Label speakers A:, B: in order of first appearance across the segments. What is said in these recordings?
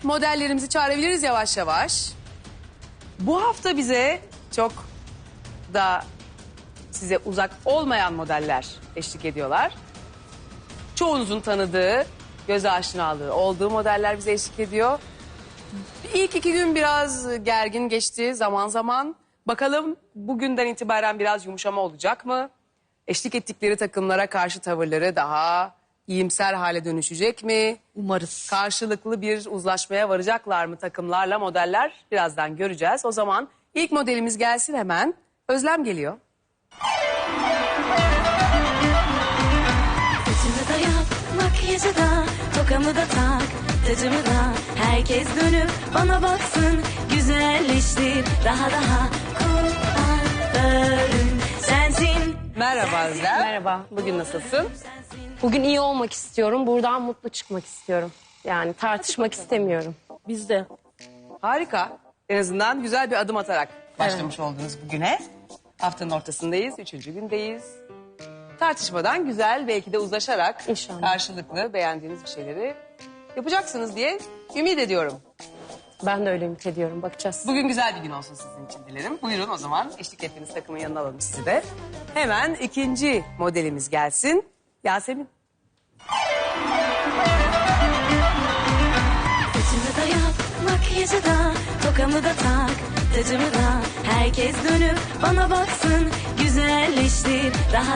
A: modellerimizi çağırabiliriz yavaş yavaş. Bu hafta bize çok da size uzak olmayan modeller eşlik ediyorlar. Çoğunuzun tanıdığı, göze aşinalığı olduğu modeller bize eşlik ediyor. İlk 2 gün biraz gergin geçti zaman zaman. Bakalım bugünden itibaren biraz yumuşama olacak mı? Eşlik ettikleri takımlara karşı tavırları daha iyimser hale dönüşecek mi?
B: Umarız.
A: Karşılıklı bir uzlaşmaya varacaklar mı takımlarla modeller? Birazdan göreceğiz. O zaman ilk modelimiz gelsin hemen. Özlem geliyor.
C: Saçımı da yap, makyajı da, tokamı da tak, tacımı da. Herkes dönüp bana baksın, güzelleştir daha kuaförüm sensin.
A: Merhaba Özlem.
D: Merhaba.
A: Bugün nasılsın?
D: Bugün iyi olmak istiyorum. Buradan mutlu çıkmak istiyorum. Yani tartışmak istemiyorum.
B: Biz de.
A: Harika. En azından güzel bir adım atarak başlamış oldunuz bugüne. Haftanın ortasındayız, 3. gündeyiz. Tartışmadan güzel, belki de uzlaşarak
D: İnşallah.
A: karşılıklı beğendiğiniz bir şeyleri yapacaksınız diye ümit ediyorum.
D: Ben de öyle ümit ediyorum. Bakacağız.
A: Bugün güzel bir gün olsun sizin için dilerim. Buyurun o zaman eşlik ettiğiniz takımın yanına alalım sizi de. Hemen ikinci modelimiz gelsin. Yasemin.
C: Saçımı da yap, makyajı da, tokamı da tak, tacımı da. Herkes dönüp bana baksın, güzelleştir daha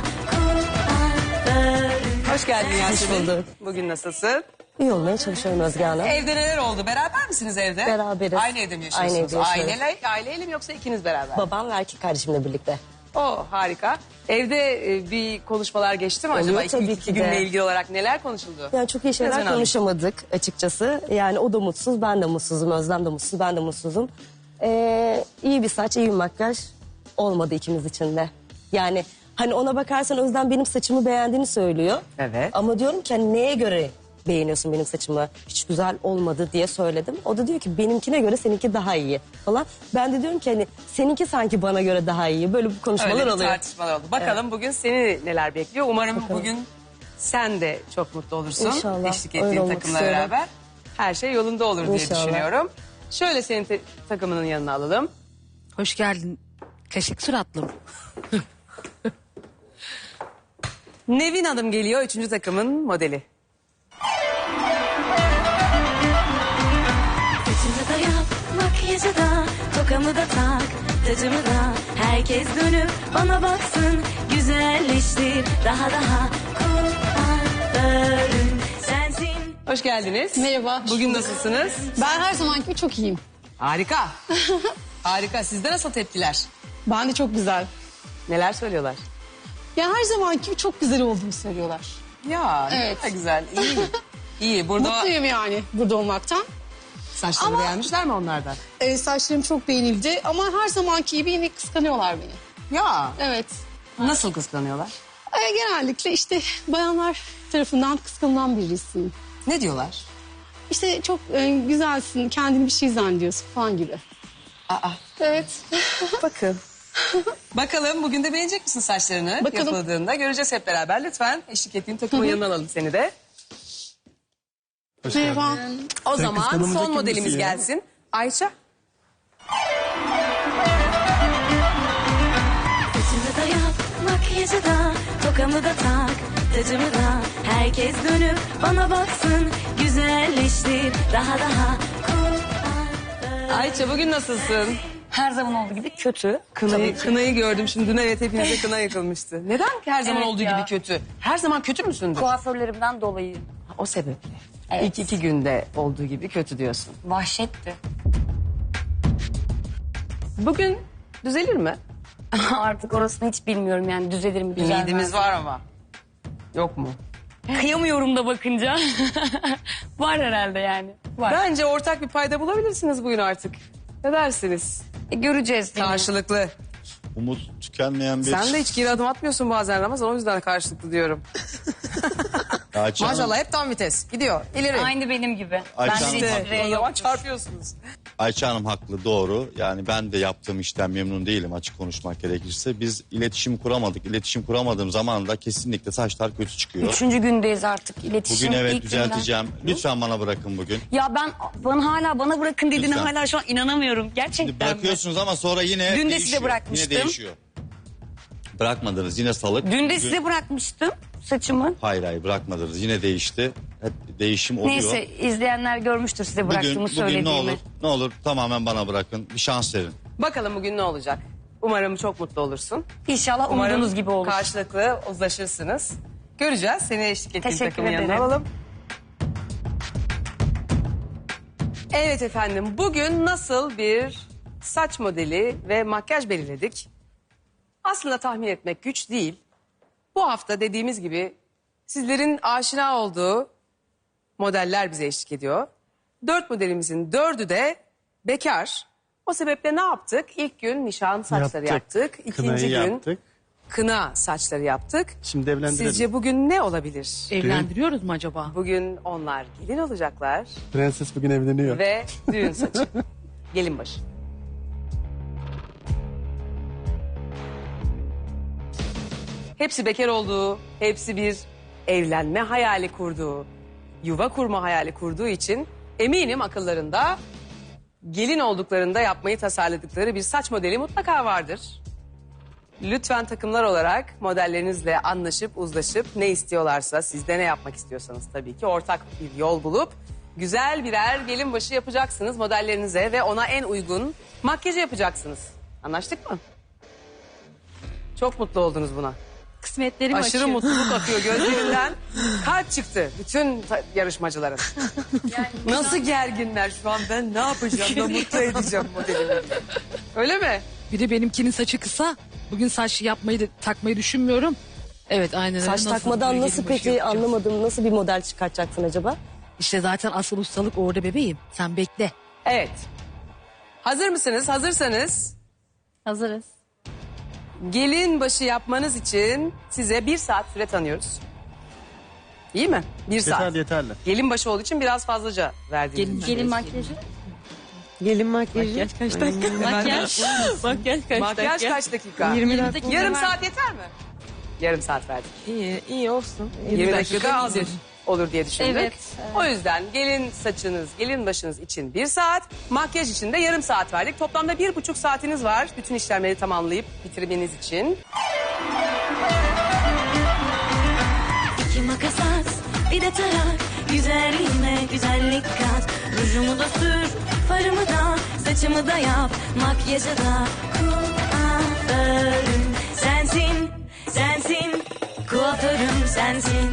C: kuaförüm.
A: Hoş geldin Yasemin.
B: Hoş bulduk.
A: Bugün nasılsın?
B: İyi olmaya çalışıyorum Özge Hanım.
A: Evde neler oldu? Beraber misiniz evde?
B: Beraberiz.
A: Aynı evde mi yaşıyorsunuz?
B: Aynı evde yaşıyoruz.
A: Aileyle mi yoksa ikiniz beraber?
B: Babam ve erkek kardeşimle birlikte.
A: Harika. Evde bir konuşmalar geçti mi acaba?
B: Oluyor
A: İlk
B: tabii
A: iki
B: ki de.
A: günle ilgili olarak neler konuşuldu?
B: Yani çok iyi şeyler
A: Biraz önemli.
B: konuşamadık açıkçası. Yani o da mutsuz, ben de mutsuzum. Özlem de mutsuz, ben de mutsuzum. İyi bir saç, iyi bir makyaj olmadı ikimiz için de. Yani hani ona bakarsan Özlem benim saçımı beğendiğini söylüyor.
A: Evet.
B: Ama diyorum ki hani neye göre beğeniyorsun benim saçımı? Hiç güzel olmadı diye söyledim. O da diyor ki benimkine göre seninki daha iyi falan. Ben de diyorum ki hani seninki sanki bana göre daha iyi. Böyle bu konuşmalar
A: Öyle bir
B: oluyor.
A: tartışmalar oldu. Bakalım bugün seni neler bekliyor. Umarım bugün sen de çok mutlu olursun.
B: İnşallah,
A: Eşlik
B: öyle
A: ettiğin
B: olmak
A: takımla
B: istiyorum.
A: beraber. Her şey yolunda olur diye
B: İnşallah.
A: düşünüyorum. Şöyle senin takımının yanına alalım.
E: Hoş geldin. Kaşık suratlım.
A: Nevin Hanım geliyor 3. takımın modeli.
C: Saçımı da yap, makyajı da, tokamı da tak, tacımı da. Herkes dönüp bana baksın, güzelleştir daha kuaförüm sensin.
A: Hoş geldiniz.
F: Merhaba.
A: Bugün nasılsınız?
F: Ben her zamanki gibi çok iyiyim.
A: Harika. Harika. Sizde nasıl tepkiler?
F: Ben de çok güzel.
A: Neler söylüyorlar?
F: Ya her zamanki gibi çok güzel olduğumu söylüyorlar.
A: Ya ne
F: Evet.
A: kadar güzel. İyi. İyi. Burada
F: Mutluyum yani burada olmaktan.
A: saçları
F: Ama-
A: beğenmişler mi onlardan?
F: Saçlarım çok beğenildi ama her zamanki gibi yine kıskanıyorlar beni.
A: Ya.
F: Evet.
A: Nasıl kıskanıyorlar?
F: Genellikle işte bayanlar tarafından kıskanılan birisiyim.
A: Ne diyorlar?
F: İşte çok güzelsin, kendini bir şey zannediyorsun falan gibi.
A: Aa.
F: Evet.
A: Bakın. Bakalım bugün de beğenecek misin saçlarını
F: Bakalım.
A: yapıldığında? Göreceğiz hep beraber. Lütfen eşlik ettiğin takımın yanına alalım seni de.
F: Merhaba.
A: O zaman
G: kıskanılacak
A: son modelimiz
G: kimisi ya.
A: gelsin. Ayça.
C: Saçımı da yap, makyajı da, tokamı da tak, tacımı da. Herkes dönüp bana baksın, güzelleştir daha kuaförüm.
A: Ayça bugün nasılsın?
D: Her zaman olduğu gibi kötü.
A: Kınayı gördüm şimdi. Dün evet hepinize kına yakılmıştı. Neden her zaman
D: Evet
A: olduğu
D: ya.
A: gibi kötü? Her zaman kötü müsündür?
D: Kuaförlerimden dolayı
A: O sebeple.
D: Evet.
A: İlk 2 günde olduğu gibi kötü diyorsun.
D: vahşetti.
A: Bugün düzelir mi?
D: Artık orasını hiç bilmiyorum yani düzelir mi düzelmez.
A: Ümidimiz var ama. Yok mu?
D: Kıyamıyorum da bakınca. Var herhalde yani. Var.
A: Bence ortak bir payda bulabilirsiniz bugün artık. Ne dersiniz?
D: Göreceğiz.
A: Karşılıklı.
G: Umut tükenmeyen bir...
A: Sen de hiç geri adım atmıyorsun bazen Ramazan. O yüzden karşılıklı diyorum.
G: Ayça Hanım,
A: Maşallah hep tam vites. Gidiyor. İleri.
H: Aynı benim gibi.
G: Ayça
H: Ben
G: Hanım
H: de
G: haklı.
H: hiç
A: O zaman
H: yok.
A: çarpıyorsunuz.
G: Ayça Hanım haklı, doğru. Yani ben de yaptığım işten memnun değilim açık konuşmak gerekirse. Biz iletişim kuramadık. İletişim kuramadığım zaman da kesinlikle saçlar kötü çıkıyor.
H: 3. gündeyiz artık iletişim.
G: Bugün evet
H: ilk günden.
G: düzelteceğim. Lütfen bana bırakın bugün.
H: Ya ben hala bana bırakın dediğine
G: Lütfen.
H: hala şu an inanamıyorum. Gerçekten
G: Şimdi
H: mi?
G: bırakıyorsunuz ama sonra yine
H: Dün de
G: değişiyor.
H: size bırakmıştım.
G: Yine değişiyor. Bırakmadınız yine salık.
H: Dün de
G: Bugün-
H: size bırakmıştım saçımı.
G: Hayır bırakmadınız. Yine değişti. Hep değişim oluyor.
H: Neyse izleyenler görmüştür size bıraktığımı
G: Bugün
H: söylediğimi.
G: ne olur tamamen bana bırakın. Bir şans verin.
A: Bakalım bugün ne olacak? Umarım çok mutlu olursun.
H: İnşallah
A: Umarım
H: umduğunuz gibi olur.
A: karşılıklı uzlaşırsınız. Göreceğiz. Seni eşlik ettiğin
H: Teşekkür
A: takımın yanına
H: ederim.
A: alalım. Evet efendim. Bugün nasıl bir saç modeli ve makyaj belirledik? Aslında tahmin etmek güç değil. Bu hafta dediğimiz gibi sizlerin aşina olduğu modeller bize eşlik ediyor. 4 modelimizin 4'ü de bekar. O sebeple ne yaptık? İlk gün nişan saçları yaptık. İkinci
I: Kınayı
A: gün
I: yaptık.
A: kına saçları yaptık.
I: Şimdi evlendirelim.
A: Sizce bugün ne olabilir?
E: Evlendiriyoruz mu acaba?
A: Bugün onlar gelin olacaklar
I: Prenses bugün evleniyor.
A: ve düğün saçı. Gelin başı. Hepsi bekar olduğu, hepsi bir evlenme hayali kurduğu, yuva kurma hayali kurduğu için eminim akıllarında gelin olduklarında yapmayı tasarladıkları bir saç modeli mutlaka vardır. Lütfen takımlar olarak modellerinizle anlaşıp uzlaşıp ne istiyorlarsa siz de ne yapmak istiyorsanız tabii ki ortak bir yol bulup güzel birer gelin başı yapacaksınız modellerinize ve ona en uygun makyajı yapacaksınız. Anlaştık mı? Çok mutlu oldunuz buna.
H: Kısmetlerim
A: Aşırı
H: açıyor.
A: mutluluk akıyor gözlerinden. Kalp çıktı bütün yarışmacıların. Nasıl gerginler şu an, ben ne yapacağım da mutlu edeceğim modelimi. Öyle mi?
E: Bir de benimkinin saçı kısa. Bugün saç takmayı düşünmüyorum. Evet aynen öyle.
B: Saç
E: Nasıl
B: takmadan
E: bir
B: nasıl
E: gelin başı
B: peki
E: yapacağım?
B: anlamadım. Nasıl bir model çıkartacaksın acaba?
E: İşte zaten asıl ustalık orada bebeğim. Sen bekle.
A: Evet. Hazır mısınız? Hazırsanız
H: Hazırız.
A: gelin başı yapmanız için size 1 saat süre tanıyoruz. İyi mi? 1 saat.
I: Yeterli yeterli.
A: Gelin başı olduğu için biraz fazlaca verdiğimiz.
H: Gelin makyajı.
B: Gelin makyajı.
E: Kaç dakika?
H: Makyaj.
A: Makyaj kaç dakika?
B: 20 dakika.
A: Yarım saat yeter mi? Yarım saat verdik.
B: İyi olsun.
A: 20 dakika az olur diye düşündük.
H: Evet.
A: O yüzden gelin saçınız, gelin başınız için 1 saat, makyaj için de yarım saat verdik. Toplamda 1,5 saatiniz var bütün işlemleri tamamlayıp bitirmeniz için.
C: 2 makas at, bir de tarak. Güzelliğime güzellik kat. Rujumu da sür, farımı da, saçımı da yap. Makyajı da kuaförüm sensin, sensin. Kuaförüm sensin.